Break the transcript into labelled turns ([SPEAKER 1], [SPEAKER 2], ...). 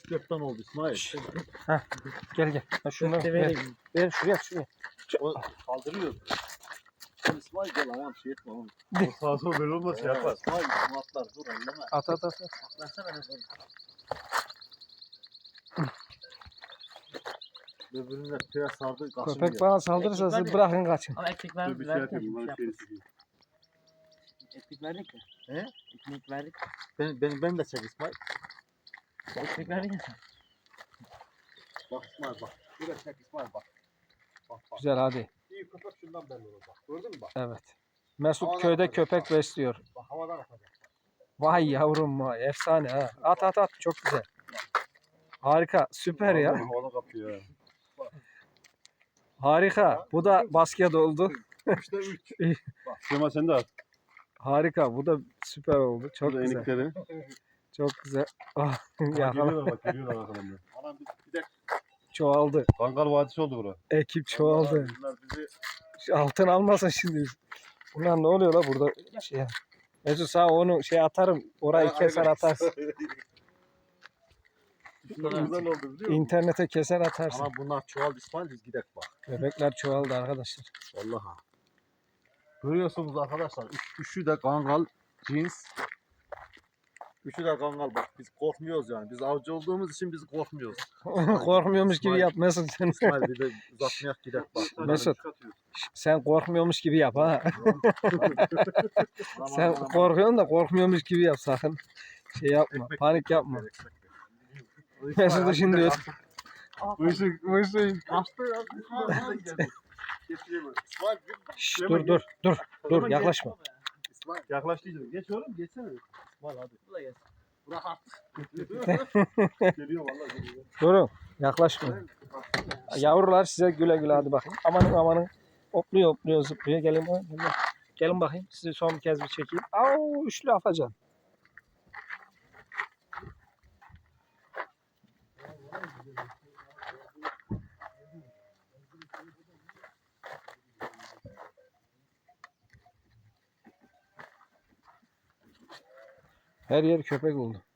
[SPEAKER 1] 3-4 tane oldu İsmail.
[SPEAKER 2] Heh, gel. Ha, şunu ver şuraya.
[SPEAKER 1] O kaldırıyor. İsmail gel ayağım şey etme oğlum.
[SPEAKER 3] O sağa sola böyle olmaz şey yapar.
[SPEAKER 1] İsmail atlar dur elleme.
[SPEAKER 2] At.
[SPEAKER 1] Saklasana ne böyle. Birbirine köye sardı kaçın
[SPEAKER 2] Köpek bana saldırırsa siz bırakın kaçın.
[SPEAKER 4] Ama ekmek verdik.
[SPEAKER 3] Bir şey yapayım. Bana şey yapayım.
[SPEAKER 4] Ekmek verdik ya.
[SPEAKER 1] He?
[SPEAKER 4] Ekmek verdik.
[SPEAKER 1] Ben de çek İsmail.
[SPEAKER 4] Ekmek verdik ya sen.
[SPEAKER 1] Bak İsmail bak. Şuraya çek İsmail bak. Bak.
[SPEAKER 2] Güzel hadi.
[SPEAKER 1] İyi köpek şundan belli olur bak. Gördün mü bak?
[SPEAKER 2] Evet. Mesut
[SPEAKER 1] Havadan
[SPEAKER 2] köyde
[SPEAKER 1] atacak,
[SPEAKER 2] köpek
[SPEAKER 1] bak.
[SPEAKER 2] besliyor.
[SPEAKER 1] Bak havadan atacak.
[SPEAKER 2] Vay yavrum vay. Efsane ha. At. Çok güzel. Harika. Süper ya.
[SPEAKER 3] Havada kapıyor ya.
[SPEAKER 2] Harika. Bu da basket oldu.
[SPEAKER 1] 3'te 3.
[SPEAKER 3] Süleyman sen de at.
[SPEAKER 2] Harika. Bu da süper oldu. Çok
[SPEAKER 3] Burada
[SPEAKER 2] güzel.
[SPEAKER 3] enikleri.
[SPEAKER 2] Çok güzel. Ah, yakala.
[SPEAKER 3] Geliyorlar bak geliyorlar arkadan.
[SPEAKER 1] Anam bir de
[SPEAKER 2] Çoğaldı.
[SPEAKER 3] Kangal Vadisi oldu bura.
[SPEAKER 2] Ekip çoğaldı.
[SPEAKER 1] bunlar bizi
[SPEAKER 2] Şu altın almasın şimdi. Ulan ne oluyor la burada şey. Mesut sağ onu şey atarım. Orayı keser atarsın.
[SPEAKER 1] güzel oldu biliyor musun?
[SPEAKER 2] İnternete keser atarsın.
[SPEAKER 1] Ama bunlar çoğaldı İsmail biz gidelim bak.
[SPEAKER 2] Köpekler çoğaldı arkadaşlar.
[SPEAKER 1] Vallahi. Görüyorsunuz arkadaşlar. Üçü de kangal cins. Üçü de kangal bak. Biz korkmuyoruz yani. Biz avcı olduğumuz için biz korkmuyoruz.
[SPEAKER 2] Korkmuyormuş gibi yap Mesut sen.
[SPEAKER 1] İsmail bir de uzatmayak gidelim bak.
[SPEAKER 2] Mesut sen korkmuyormuş gibi yap ha. Sen korkuyorsun da korkmuyormuş gibi yap sakın. Şey yapma. Panik yapma. Mesut'u şimdi
[SPEAKER 3] Bu işin
[SPEAKER 1] Kaçtı ya.
[SPEAKER 2] Şşş, dur yaklaşma.
[SPEAKER 1] İsmail.
[SPEAKER 3] yaklaş diyeceğim. Geç oğlum geçsene.
[SPEAKER 1] İsmail hadi.
[SPEAKER 4] Bu da gelsin.
[SPEAKER 1] Bırak artık.
[SPEAKER 3] Geliyor vallahi geliyor.
[SPEAKER 2] Durun yaklaşma. Yavrular size güle güle hadi bakayım. Amanın. Hopluyor zıplıyor. Gelin bakayım. Sizi son bir kez bir çekeyim. Au üçlü afacan. Her yer köpek oldu.